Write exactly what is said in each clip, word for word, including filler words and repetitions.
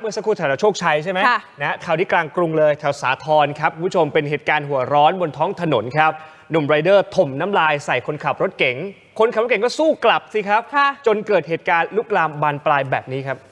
มื่อสักครู่แถวโชคชัยใช่ไหมนะข่าวที่กลางกรุงเลยแถวสาทรครับคุณผู้ชมเป็นเหตุการณ์หัวร้อนบนท้องถนนครับหนุ่มไรเดอร์ถมน้ำลายใส่คนขับรถเก๋งคนขับรถเก๋งก็สู้กลับสิครับจนเกิดเหตุการณ์ลุกลามบานปลายแบบนี้ครับ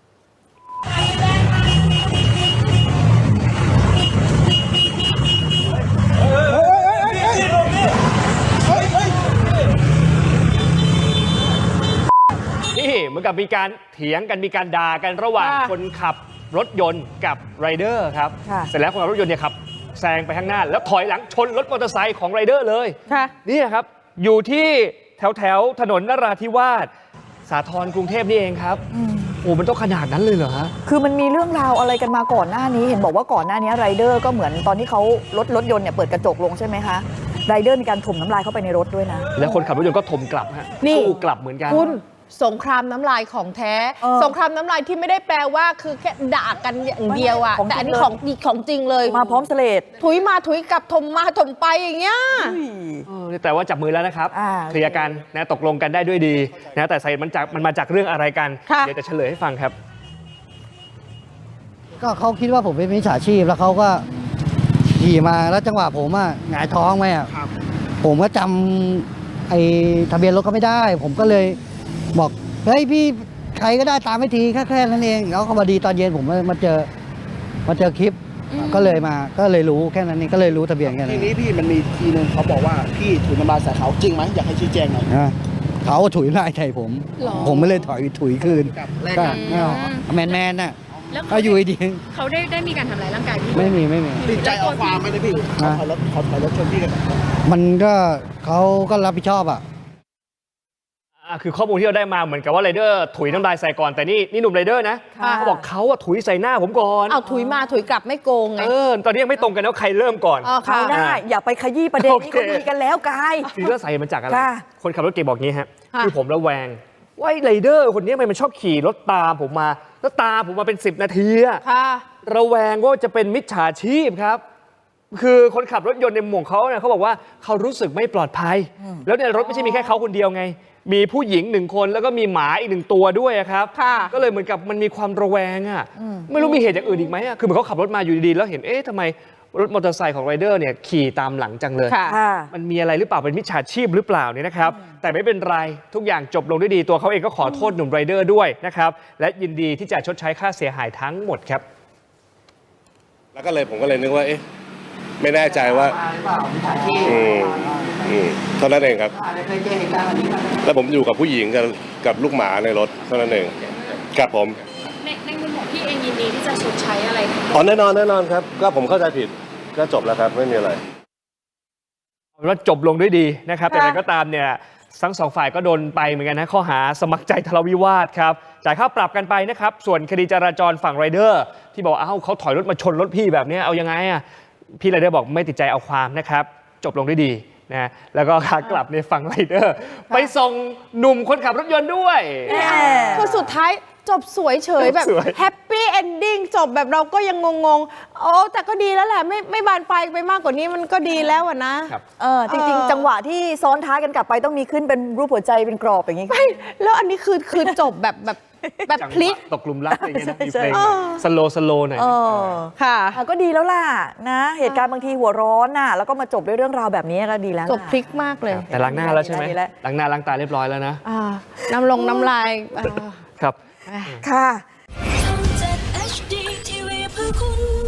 นี่เหมือนกับมีการเถียงกันมีการด่ากันระหว่างคนขับรถยนต์กับไรเดอร์ครับเสร็จแล้วคนขับรถยนต์เนี่ยขับแซงไปข้างหน้าแล้วถอยหลังชนรถมอเตอร์ไซค์ของไรเดอร์เลยนี่ครับอยู่ที่แถวแถวถนนนราธิวาสสาทรกรุงเทพนี่เองครับโอ้มันต้องขนาดนั้นเลยเหรอฮะคือมันมีเรื่องราวอะไรกันมาก่อนหน้านี้เห็นบอกว่าก่อนหน้านี้ไรเดอร์ก็เหมือนตอนที่เขารถรถยนต์เนี่ยเปิดกระจกลงใช่ไหมคะไรเดอร์มีการถมน้ำลายเข้าไปในรถด้วยนะแล้วคนขับรถยนต์ก็ถมกลับฮะสู้กลับเหมือนกันคุณสงครามน้ำลายของแท้สงครามน้ำลายที่ไม่ได้แปลว่าคือแค่ด่ากันอย่างเดียวอะแต่อันนี้ของของจริงเลยมาพร้อมเสลดถุยมาถุยกลับถมมาถมไปอย่างเงี้ยแต่ว่าจับมือแล้วนะครับเคลียร์กันนะตกลงกันได้ด้วยดีนะแต่สาเหตุมันจากมันมาจากเรื่องอะไรกันเดี๋ยวจะเฉลยให้ฟังครับก็เขาคิดว่าผมเป็นมิจฉาชีพแล้วเขาก็ขี่มาแล้วจังหวะผมอ่ะหงายท้องไหมอ่ะผมก็จำไอ้ทะเบียนรถเขาไม่ได้ผมก็เลยบอกเฮ้ยพี่ใครก็ได้ตามไม่ทีแค่แค่นั้นเองแล้วก็มาดีตอนเย็นผมมาเจอมาเจอคลิปก็เลยมาก็เลยรู้แค่นั้นเองก็เลยรู้ทะเบียนแค่นั้นทีนี้พี่มันมีทีนึงเขาบอกว่าพี่ถุยน้ำลายใส่เขาจริงไหมอยากให้ชี้แจงหน่อยเขาถุยน้ำลายใส่ผมผมไม่เลยถอยถุยคืนก็แมนแมนน่ะก็อยู่ดีเขาได้ได้มีการทำร้ายร่างกายพี่ไม่มีไม่มีติดใจเอาความไหมพี่เขาถอยรถเขาถอยรถชนพี่กันมันก็เขาก็รับผิดชอบอ่ะคือข้อมูลที่เราได้มาเหมือนกับว่าไรเดอร์ถุยน้ำลายใส่ก่อนแต่นี่นี่หนุ่มไรเดอร์นะเขาบอกเขาอะถุยใส่หน้าผมก่อนเอาถุยมาถุยกลับไม่โกงไงเออตอนนี้ยังไม่ตรงกันแล้วใครเริ่มก่อนเขาได้อย่าไปขยี้ประเด็นนี้ก็ดีกันแล้วกายสีเลือดใส่มันจากอะไรคนขับรถเก๋งบอกงี้ฮะคือผมระแวงว่าไรเดอร์คนนี้มันชอบขี่รถตามผมมาแล้วตามผมมาเป็นสิบนาทีอะระแวงว่าจะเป็นมิจฉาชีพครับคือคนขับรถยนต์ในหมู่เขาเนี่ยเขาบอกว่าเขารู้สึกไม่ปลอดภัยแล้วในรถไม่ใช่มีแค่เขาคนเดียวไงมีผู้หญิงหนึ่งคนแล้วก็มีหมาอีกหนึ่งตัวด้วยครับก็เลยเหมือนกับมันมีความระแวงอ่ะไม่รู้มีเหตุอย่างอื่นอีกไหมอ่ะคือเหมือนเขาขับรถมาอยู่ดีๆแล้วเห็นเอ๊ะทำไมรถมอเตอร์ไซค์ของไรเดอร์เนี่ยขี่ตามหลังจังเลยมันมีอะไรหรือเปล่าเป็นมิจฉาชีพหรือเปล่าเนี่ยนะครับแต่ไม่เป็นไรทุกอย่างจบลงด้วยดีตัวเขาเองก็ขอโทษหนุ่มไรเดอร์ด้วยนะครับและยินดีที่จะชดใช้ค่าเสียหายทั้งหมดครับแล้วก็เลยผมก็เลยนึกว่าเอ๊ะไม่แน่ใจว่าอืมอืมเท่านั้นเองครับแล้วผมอยู่กับผู้หญิงกับกับลูกหมาในรถเท่านั้นเองครับผมในในมุมของพี่เองยินดีที่จะชดใช้อะไรอ๋อแน่นอนแน่นอนครับก็ผมเข้าใจผิดก็จบแล้วครับไม่มีอะไรว่าจบลงด้วยดีนะครับแต่อะไรก็ตามเนี่ยทั้งสองฝ่ายก็โดนไปเหมือนกันนะข้อหาสมัครใจทะเลาะวิวาทครับจ่ายค่าปรับกันไปนะครับส่วนคดีจราจรฝั่งไรเดอร์ที่บอกเอ้าเขาถอยรถมาชนรถพี่แบบนี้เอายังไงอ่ะพี่ไรเดอร์บอกไม่ติดใจเอาความนะครับจบลงด้วยดีนะแล้วก็ขากลับในฝั่งไรเดอร์ไปส่งหนุ่มคนขับรถยนต์ด้วยคือสุดท้ายจบสวยเฉยแบบแฮปปี้เอนดิ้งจบแบบเราก็ยังงงๆโอ้แต่ก็ดีแล้วแหละไม่ไม่บานปลายไปมากกว่านี้มันก็ดีแล้วอะนะเออจริงๆจังหวะที่ซ้อนท้ายกันกลับไปต้องมีขึ้นเป็นรูปหัวใจเป็นกรอบอย่างนี้ไม่แล้วอันนี้คือคือจบแบบแบบแบบพลิกตกหลุมรักอะไรเงี้ยนะมีเพลงสโลสโลหน่อยค่ะก็ดีแล้วล่ะนะเหตุการณ์บางทีหัวร้อนน่ะแล้วก็มาจบด้วยเรื่องราวแบบนี้ก็ดีแล้วจบพลิกมากเลยแต่ล้างหน้าแล้วใช่ไหมล้างหน้าล้างตาเรียบร้อยแล้วนะน้ำลงน้ำลายครับค่ะ